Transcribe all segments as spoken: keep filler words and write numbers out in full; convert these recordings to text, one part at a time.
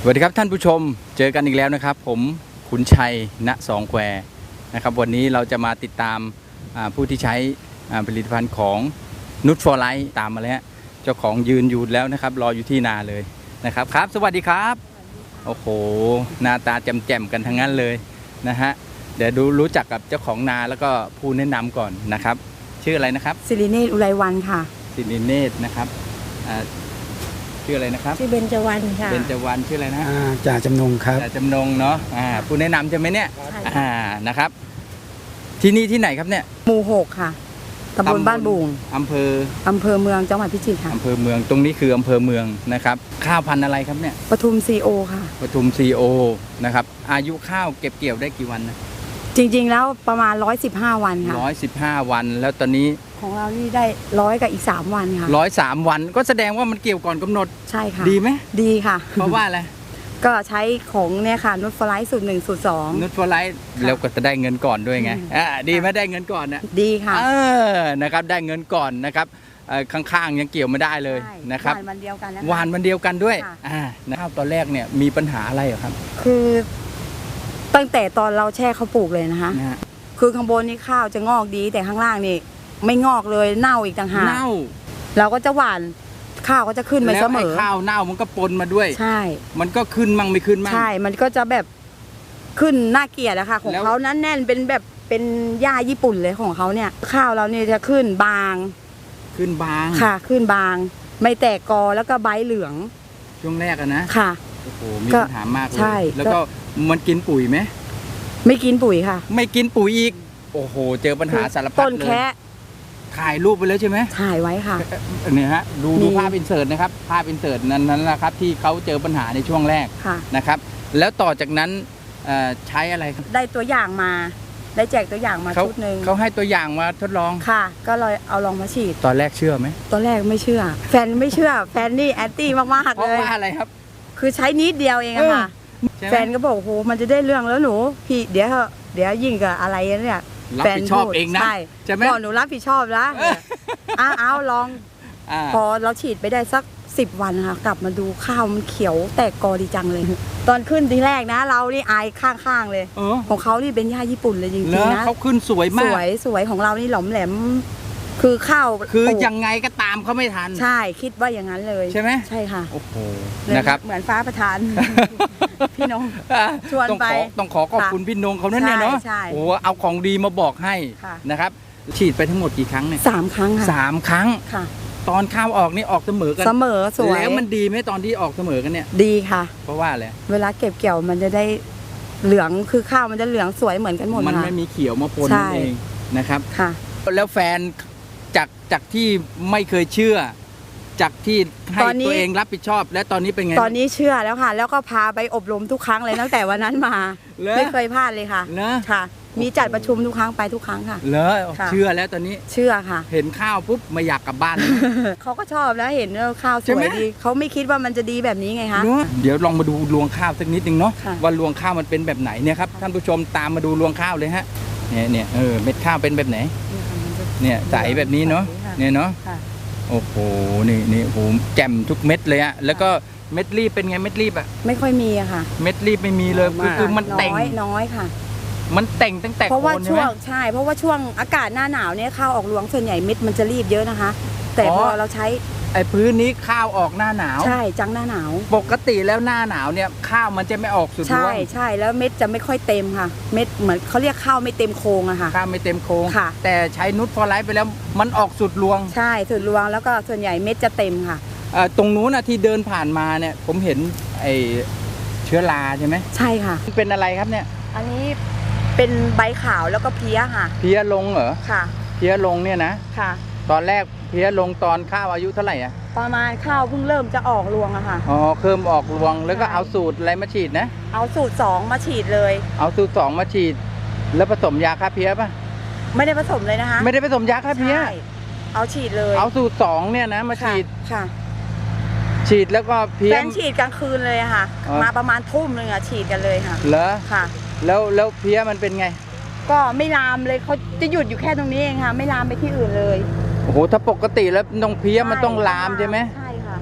สวัสดีครับท่านผู้ชมเจอกันอีกแล้วนะครับผมขุนชัยณสองแควนะครับวันนี้เราจะมาติดตามผู้ที่ใช้ผลิตภัณฑ์ของนุชฟอร์ไลท์ตามมาแล้วเจ้าของยืนอยู่แล้วนะครับรออยู่ที่นาเลยนะครับครับสวัสดีครับโอ้โหหน้าตาแจ่มๆกันทั้งนั้นเลยนะฮะเดี๋ยวดูรู้จักกับเจ้าของนาแล้วก็ผู้แนะนำก่อนนะครับชื่ออะไรนะครับสิริเนตรอุไรวันค่ะสิริเนตรนะครับชื่ออะไรนะครับชื่อเบญจวรรณค่ะเบญจวรรณชื่ออะไรนะจ่าจำนงครับจ่าจำนงเนาะผู้แนะนำใช่ไหมเนี่ยอ่านะครับที่นี่ที่ไหนครับเนี่ยหมู่หกค่ะตำบลบ้านบุงอำเภออำเภอเมืองจังหวัดพิจิตรค่ะอำเภอเมืองตรงนี้คืออำเภอเมืองนะครับข้าวพันธุ์อะไรครับเนี่ยปทุมซีโอค่ะปทุมซีโอนะครับอายุข้าวเก็บเกี่ยวได้กี่วันนะจริงๆแล้วประมาณร้อยสิบห้าวันค่ะร้อยสิบห้าวันแล้วตอนนี้ของเรานี่ได้ร้อยกับอีกสามวันค่ะร้อยสามวันก็แสดงว่ามันเกี่ยวก่อนกำหนดใช่ค่ะดีไหมดีค่ะเพราะว่าอะไรก็ใช้ของเนี่ยค่ะนุชฟอร์ไลท์สูตรหนึ่งสูตรสองนุชฟอร์ไลท์แล้วก็จะได้เงินก่อนด้วยไงอ่าดีไหมได้เงินก่อนนะดีค่ะเออนะครับได้เงินก่อนนะครับข้างๆยังเกี่ยวไม่ได้เลยนะครับหวานวันเดียวกันหวานวันเดียวกันด้วยอ่านะครับตอนแรกเนี่ยมีปัญหาอะไรครับคือตั้งแต่ตอนเราแช่เขาปลูกเลยนะคะคือข้างบนนี่ข้าวจะงอกดีแต่ข้างล่างนี่ไม่งอกเลยเน่าอีกต่างหากเน่าเราก็จะหว่านข้าวก็จะขึ้นไปเสมอแล้วข้าวเน่ามันก็ปนมาด้วยใช่มันก็ขึ้นมั่งไม่ขึ้นมั่งใช่มันก็จะแบบขึ้นน่าเกลียดอะค่ะของเขานั้นแน่นเป็นแบบเป็นหญ้าญี่ปุ่นเลยของเขาเนี่ยข้าวเราเนี่ยจะขึ้นบางขึ้นบางค่ะขึ้นบางไม่แตกกอแล้วก็ใบเหลืองช่วงแรกอะนะค่ะโอ้โหมีปัญหามากเลยแล้วก็มันกินปุ๋ยไหมไม่กินปุ๋ยค่ะไม่กินปุ๋ยอีกโอ้โหเจอปัญหาสารพัดเลยต้นแค่ถ่ายรูปไปแล้วใช่ไหมถ่ายไว้ค่ะเนี่ยฮะดูดูภาพอินเสิร์ตนะครับภาพอินเสิร์ตนั้นนั้นนะครับที่เขาเจอปัญหาในช่วงแรกนะครับแล้วต่อจากนั้นใช้อะไรได้ตัวอย่างมาได้แจกตัวอย่างมาชุดหนึ่งเขาให้ตัวอย่างมาทดลองค่ะก็เลยเอาลองมาฉีดตอนแรกเชื่อไหมตอนแรกไม่เชื่อแฟนไม่เชื่อแฟนนี่แอนตี้มากๆเลยเพราะว่าอะไรครับคือใช้นิดเดียวเองอะค่ะแฟนก็บอกโอ้โหมันจะได้เรื่องแล้วหนูพี่เดี๋ยวเดี๋ยวยิ่งกับอะไรเนี่ยรับผิดชอบเองนะใช่ไหมบอกหนูรับผิดชอบนะอ้าเอาลองพอเราฉีดไปได้สักสิบวันค่ะกลับมาดูข้าวมันเขียวแตกกอดีจังเลยตอนขึ้นทีแรกนะเรานี่อายข้างๆเลยของเขานี่เป็นหญ้าญี่ปุ่นเลยจริงๆนะเขาขึ้นสวยมากสวยสวยของเรานี่หลอมแหลมคือข้าวคือยังไงก็ตามเขาไม่ทันใช่คิดว่าอย่างนั้นเลยใช่ไหมใช่ค่ะโอ้โหนะครับเหมือนฟ้าประทานพี่นงชวนไปต้องขอขอบคุณพี่นงเขานั่นเนี่ยเนาะโอ้เอาของดีมาบอกให้นะครับฉีดไปทั้งหมดกี่ครั้งเนี่ยสามครั้งค่ะสามครั้งค่ะตอนข้าวออกนี่ออกเสมอกันเสมอสวยแล้วมันดีไหมตอนที่ออกเสมอกันเนี่ยดีค่ะเพราะว่าอะไรเวลาเก็บเกี่ยวมันจะได้เหลืองคือข้าวมันจะเหลืองสวยเหมือนกันหมดมันไม่มีเขียวมาปนนั่นเองนะครับค่ะแล้วแฟนจากจากที่ไม่เคยเชื่อจากที่ให้ตัวเองรับผิดชอบและตอนนี้เป็นไงตอนนี้เชื่อแล้วค่ะแล้วก็พาไปอบรมทุกครั้งเลยตั้งแต่วันนั้นมาไม่เคยพลาดเลยค่ะค่ะมีจัดประชุมทุกครั้งไปทุกครั้งค่ะเลอเชื่อแล้วตอนนี้เชื่อค่ะเห็นข้าวปุ๊บไม่อยากกลับบ้านเขาก็ชอบแล้วเห็นข้าวสวยดีเขาไม่คิดว่ามันจะดีแบบนี้ไงคะเดี๋ยวลองมาดูรวงข้าวสักนิดนึงเนาะว่ารวงข้าวมันเป็นแบบไหนเนี่ยครับท่านผู้ชมตามมาดูรวงข้าวเลยฮะเนี่ยเนี่ยเออเม็ดข้าวเป็นแบบไหนเนี่ยใสแบบนี้เนาะเนี่ยเนาะโอ้โหนี่นี่โหแจ่มทุกเม็ดเลยอะแล้วก็เม็ดรีบเป็นไงเม็ดรีบอะไม่ค่อยมีอะค่ะเม็ดรีบไม่มีเลยคือคือมันแต่งน้อยค่ะมันแต่งตั้งแต่เพราะว่าช่วงใช่เพราะว่าช่วงอากาศหน้าหนาวเนี่ยข้าวออกรวงส่วนใหญ่เม็ดมันจะรีบเยอะนะคะแต่พอเราใช้ไอ้พื้นนี้ข้าวออกหน้าหนาวใช่จังหน้าหนาวปกติแล้วหน้าหนาวเนี่ยข้าวมันจะไม่ออกสุดรวงใช่ใช่แล้วเม็ดจะไม่ค่อยเต็มค่ะเม็ดเหมือนเขาเรียกข้าวไม่เต็มโครงอะค่ะข้าวไม่เต็มโครงค่ะแต่ใช้นุชฟอร์ไลท์ไปแล้วมันออกสุดรวงใช่สุดรวงแล้วก็ส่วนใหญ่เม็ดจะเต็มค่ะตรงนู้นนะที่เดินผ่านมาเนี่ยผมเห็นไอ้เชื้อราใช่ไหมใช่ค่ะเป็นอะไรครับเนี่ยอันนี้เป็นใบขาวแล้วก็เพี้ยค่ะเพี้ยลงเหรอค่ะเพี้ยลงเนี่ยนะค่ะตอนแรกเพี้ยลงตอนข้าวอายุเท่าไหร่อะประมาณข้าวเพิ่งเริ่มจะออกรวงอะค่ะอ๋อเริ่มออกรวงแล้วก็เอาสูตรอะไรมาฉีดนะเอาสูตรสองมาฉีดเลยเอาสูตรสองมาฉีดแล้วผสมยาฆ่าเพี้ยป่ะไม่ได้ผสมเลยนะคะไม่ได้ผสมยาฆ่าเพี้ยเอาฉีดเลยเอาสูตรสองเนี่ยนะมาฉีดค่ะฉีดแล้วก็เพี้ยแฟนฉีดกลางคืนเลยค่ะมาประมาณทุ่มนึงอะฉีดกันเลยค่ะเหรอค่ะแล้วแล้วเพี้ยมันเป็นไงก็ไม่ลามเลยเขาจะหยุดอยู่แค่ตรงนี้เองค่ะไม่ลามไปที่อื่นเลยโอ้โหถ้าปกติแล้วน้องเพี้ยมันต้องลามใช่ไหมใช่ค่ะ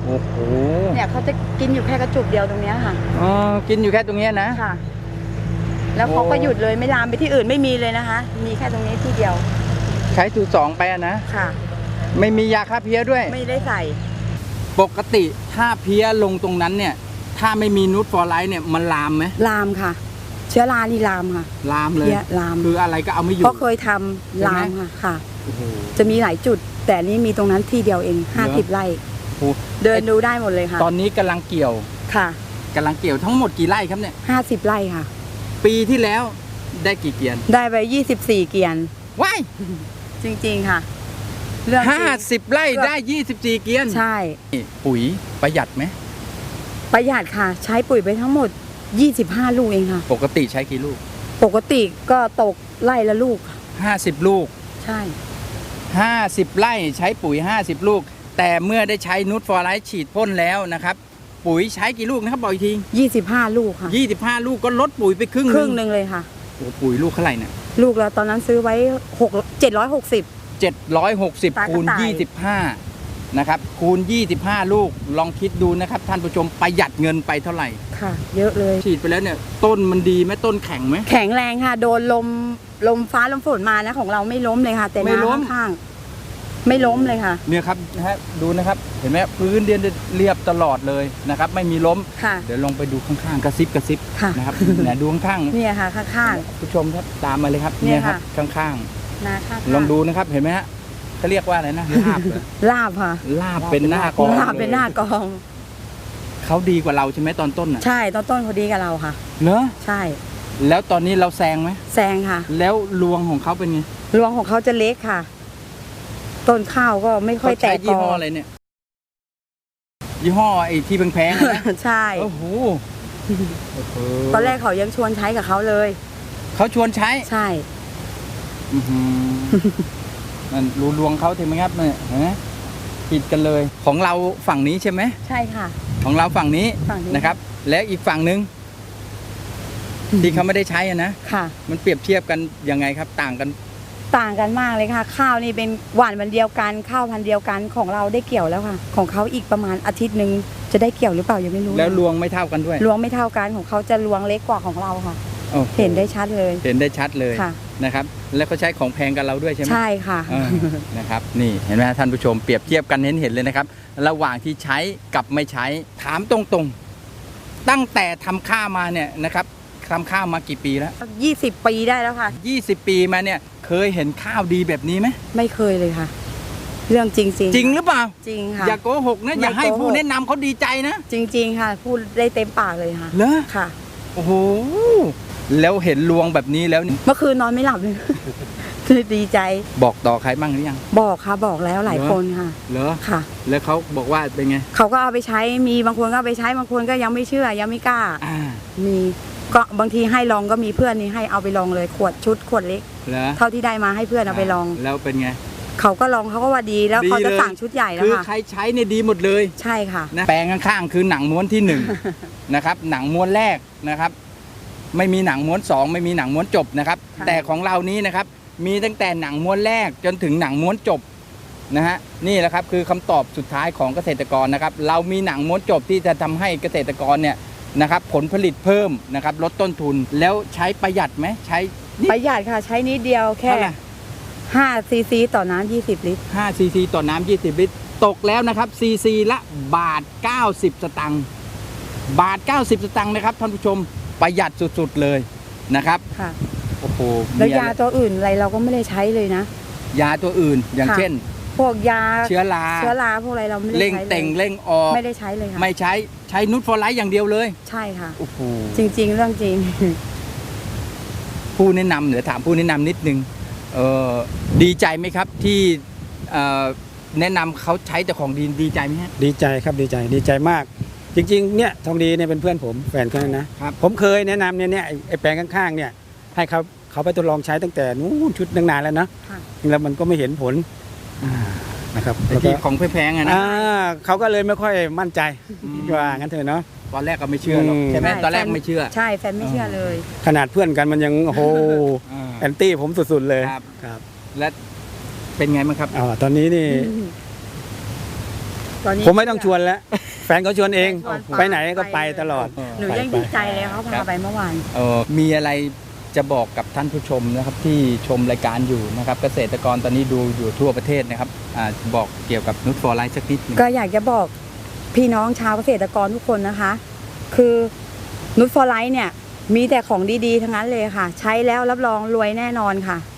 โอ้โหเนี่ยเขาจะกินอยู่แค่กระจุกเดียวตรงเนี้ยค่ะอ๋อกินอยู่แค่ตรงเนี้ยนะค่ะ แล้วเขาก็โอ้หยุดเลยไม่ลามไปที่อื่นไม่มีเลยนะคะ มีแค่ตรงนี้ที่เดียวใช้สูตรสองไปอะนะค่ะไม่มียาฆ่าเพี้ยด้วยไม่ได้ใส่ปกติถ้าเพี้ยลงตรงนั้นเนี่ย ถ้าไม่มีนูตฟอร์ไลท์เนี่ยมันลามไหมลามค่ะ เชื้อรานี่ลามค่ะลามเลยเพี้ยลามคืออะไรก็เอาไม่อยู่เพราะเคยทำใช่ไหมลามค่ะค่ะโอ้โหจะมีหลายจุด แต่นี่มีตรงนั้นที่เดียวเองห้าสิบไร่โอ้โหเดินดูได้หมดเลยค่ะตอนนี้กำลังเกี่ยวค่ะกำลังเกี่ยวทั้งหมดกี่ไร่ครับเนี่ยห้าสิบไร่ค่ะปีที่แล้วได้กี่เกียนได้ไปยี่สิบสี่เกียนว้ายจริงๆค่ะ เรื่องจริงห้าสิบไร่ได้ยี่สิบสี่เกียนใช่นี่ปุ๋ยประหยัดไหมประหยัดค่ะ ใช้ปุ๋ยไปทั้งหมดยี่สิบห้าลูกเองค่ะปกติใช้กี่ลูกปกติก็ตกไร่ละลูกค่ะห้าสิบลูกใช่ห้าสิบไร่ใช้ปุ๋ยห้าสิบลูก แต่เมื่อได้ใช้นูตฟอร์ไลท์ฉีดพ่นแล้วนะครับ ปุ๋ยใช้กี่ลูกนะครับบอกอีกทียี่สิบห้าลูกค่ะยี่สิบห้าลูกก็ลดปุ๋ยไปครึ่งครึ่งหนึ่งเลยค่ะโอ้ปุ๋ยลูกเท่าไหร่เนี่ยลูกเราตอนนั้นซื้อไว้หกเจ็ดร้อยหกสิบเจ็ดร้อยหกสิบตากระคูณต่ายยี่สิบห้านะครับคูณยี่สิบห้าลูกลองคิดดูนะครับท่านผู้ชมประหยัดเงินไปเท่าไหร่ค่ะ เยอะเลยฉีดไปแล้วเนี่ยต้นมันดีไหมต้นแข็งไหมแข็งแรงค่ะ โดนลมลมฟ้าลมฝนมานะของเราไม่ล้มเลยค่ะ แต่ไม่ล้มน้ำข้างๆไม่ล้มเลยค่ะเนี่ยครับนะฮะดูนะครับเห็นไหมพื้นเรียนเรียบตลอดเลยนะครับไม่มีล้มค่ะเดี๋ยวลองไปดูข้างๆกระซิบกระซิบค่ะนะครับเนี่ยดูข้างๆเนี่ยค่ะข้างผู้ชมครับตามมาเลยครับเนี่ยครับค่ะข้างๆนาข้างๆลองดูนะครับเห็นไหมฮะเขาเรียกว่าอะไรนะลาบเหรอลาบค่ะลาบเป็นหน้ากองลาบเป็นหน้ากองเขาดีกว่าเราใช่ไหมตอนต้นอ่ะใช่ต้นต้นเขาดีกับเราค่ะเนอะใช่แล้วตอนนี้เราแซงไหมแซงค่ะแล้วรวงของเขาเป็นไงรวงของเขาจะเล็กค่ะ ต้นข้าวก็ไม่ค่อยเขาแตใช้กยี่กห้อออะไรเนี่ยยี่ห้อไอ้ที่แพงๆอะนะใช่โอ้โหโอ้โหตอนแรกเขายังชวนใช้กับเขาเลยเขาชวนใช้ใช่อื้อหือนั่นรูรวงเขาถึงไหมครับเนี่ยเห็นไหมผิดกันเลยของเราฝั่งนี้ใช่ไหมใช่ค่ะของเราฝั่งนี้ฝั่งนี้นะครับ แล้วอีกฝั่งหนึ่งที่เขาไม่ได้ใช้อะนะค่ะมันเปรียบเทียบกันยังไงครับ ต่างกันต่างกันมากเลยค่ะ ข้าวนี่เป็นหวานวันเดียวกันข้าวพันธุ์เดียวกันของเราได้เกี่ยวแล้วค่ะ ของเขาอีกประมาณอาทิตย์หนึ่งจะได้เกี่ยวหรือเปล่ายังไม่รู้แล้วรวงไม่เท่ากันด้วยรวงไม่เท่ากันของเขาจะรวงเล็กกว่าของเราค่ะโอ้โเห็นได้ชัดเลยเห็นได้ชัดเลยค่ะนะครับ แล้วเขาใช้ของแพงกันเราด้วยใช่ไหมใช่ค่ะเออนะครับ นี่เห็นไหมท่านผู้ชมเปรียบเทียบกันเห็นเห็นเลยนะครับ ระหว่างที่ใช้กับไม่ใช้ถามตรงๆ ตั้งแต่ทำข้าวมาเนี่ยนะครับทำข้าวมากี่ปีแล้วยี่สิบปีได้แล้วค่ะยี่สิบปีมาเนี่ยเคยเห็นข้าวดีแบบนี้ไหมไม่เคยเลยค่ะ เรื่องจริงจริงจริงหรือเปล่าจริงค่ะอย่าโกหกนะไม่อย่าให้โกหกผู้แนะนำเขาดีใจนะจริง ๆ ค่ะ พูดได้เต็มปากเลยค่ะเหรอค่ะโอ้โหแล้วเห็นรวงแบบนี้แล้วเมื่อคืนนอนไม่หลับเลย ดีใจบอกต่อใครบ้างหรือยังบอกค่ะบอกแล้วหลายเหรอคนค่ะเหรอค่ะแล้วเขาบอกว่าเป็นไงเขาก็เอาไปใช้มีบางคนก็เอาไปใช้บางคนก็ยังไม่เชื่อยังไม่กล้าอ่ามีก็บางทีให้ลองก็มีเพื่อนนี่ให้เอาไปลองเลยขวดชุดขวดเล็กเหรอเท่าที่ได้มาให้เพื่อนเอาไปลองแล้วเป็นไงเขาก็ลองเขาก็ว่าดีแล้วดีเขาจะเลยสั่งชุดใหญ่แล้วคือค่ะใครใช้เนี่ยดีหมดเลยใช่ค่ะนะแปลงข้างๆคือหนังม้วนที่หนึ่ง นะครับหนังม้วนแรกนะครับ ไม่มีหนังม้วนสองไม่มีหนังม้วนจบนะครับค่ะแต่ของเรานี้นะครับมีตั้งแต่หนังม้วนแรกจนถึงหนังม้วนจบนะฮะนี่แหละครับคือคำตอบสุดท้ายของเกษตรกรนะครับ เรามีหนังม้วนจบที่จะทำให้เกษตรกรเนี่ยนะครับ ผลผลิตเพิ่มนะครับลดต้นทุนแล้วใช้ประหยัดไหมใช้นิดประหยัดค่ะ ใช้นิดเดียวแค่เท่าไหร่ห้าซีซีต่อน้ำยี่สิบลิตรห้าซีซีต่อน้ำยี่สิบลิตรตกแล้วนะครับซีซีละบาทเก้าสิบสตังค์บาทเก้าสิบสตังค์นะครับท่านผู้ชมประหยัดสุดๆเลยนะครับค่ะโอ้โหแล้วมีอะไรยาตัวอื่นอะไรเราก็ไม่ได้ใช้เลยนะยาตัวอื่นอย่างค่ะเช่นพวกยาเชื้อราเชื้อราพวกอะไรเราไม่ได้เร่งใช้เลเต่งยเร่งออกไม่ได้ใช้เลยค่ะไม่ใช้ใช้นูตฟอร์ไลท์อย่างเดียวเลยใช่ค่ะโอ้โหจริง ๆ เรื่องจริงผู้แนะนำเดี๋ยวถามผู้แนะนำนิดนึงเออดีใจไหมครับที่เอ่อแนะนำเขาใช้แต่ของดีดีใจไหมฮะดีใจครับดีใจดีใจมาก จริงๆเนี่ยทองดีเนี่ยเป็นเพื่อนผมแฟนเขานะครับ ผมเคยแนะนำเนี่ยเนี่ยไอ้ไอ้แปลงข้างๆเนี่ยให้เขาเขาไปทดลองใช้ตั้งแต่นู้นชุดตั้งนานแล้วนะค่ะแล้วมันก็ไม่เห็นผลอ่านะครับไอ้แล้วก็ที่ของแพงๆอะนะอ่าเขาก็เลยไม่ค่อยมั่นใจอืมว่างั้นเถอะเนาะตอนแรกก็ไม่เชื่อหรอกอืมใช่ไหมใช่ตอนแรกไม่เชื่อใช่แฟนไม่เชื่อเลยขนาดเพื่อนกันมันยังโอ้โหอ่าแอนตี้ผมสุดๆเลยครับครับและเป็นไงบ้างครับอ่าตอนนี้นี่ตอนนี้ผมไม่ต้องชวนแล้ว แฟนเขาชวนเองชวนไปไหนก็ไปตลอดหนูไปยังไปดีใจเลยเขาครัพาบไปเมื่อวานเออมีอะไรจะบอกกับท่านผู้ชมนะครับที่ชมรายการอยู่นะครับเกษตรกรตอนนี้ดูอยู่ทั่วประเทศนะครับอ่าบอกเกี่ยวกับนุชฟอร์ไลท์สักนิดหนึงก็อยากจะบอกพี่น้องชาวเกษตรกรทุกคนนะคะ คือนุชฟอร์ไลท์เนี่ยมีแต่ของดีๆทั้งนั้นเลยค่ะ ใช้แล้วรับรองรวยแน่นอนค่ะ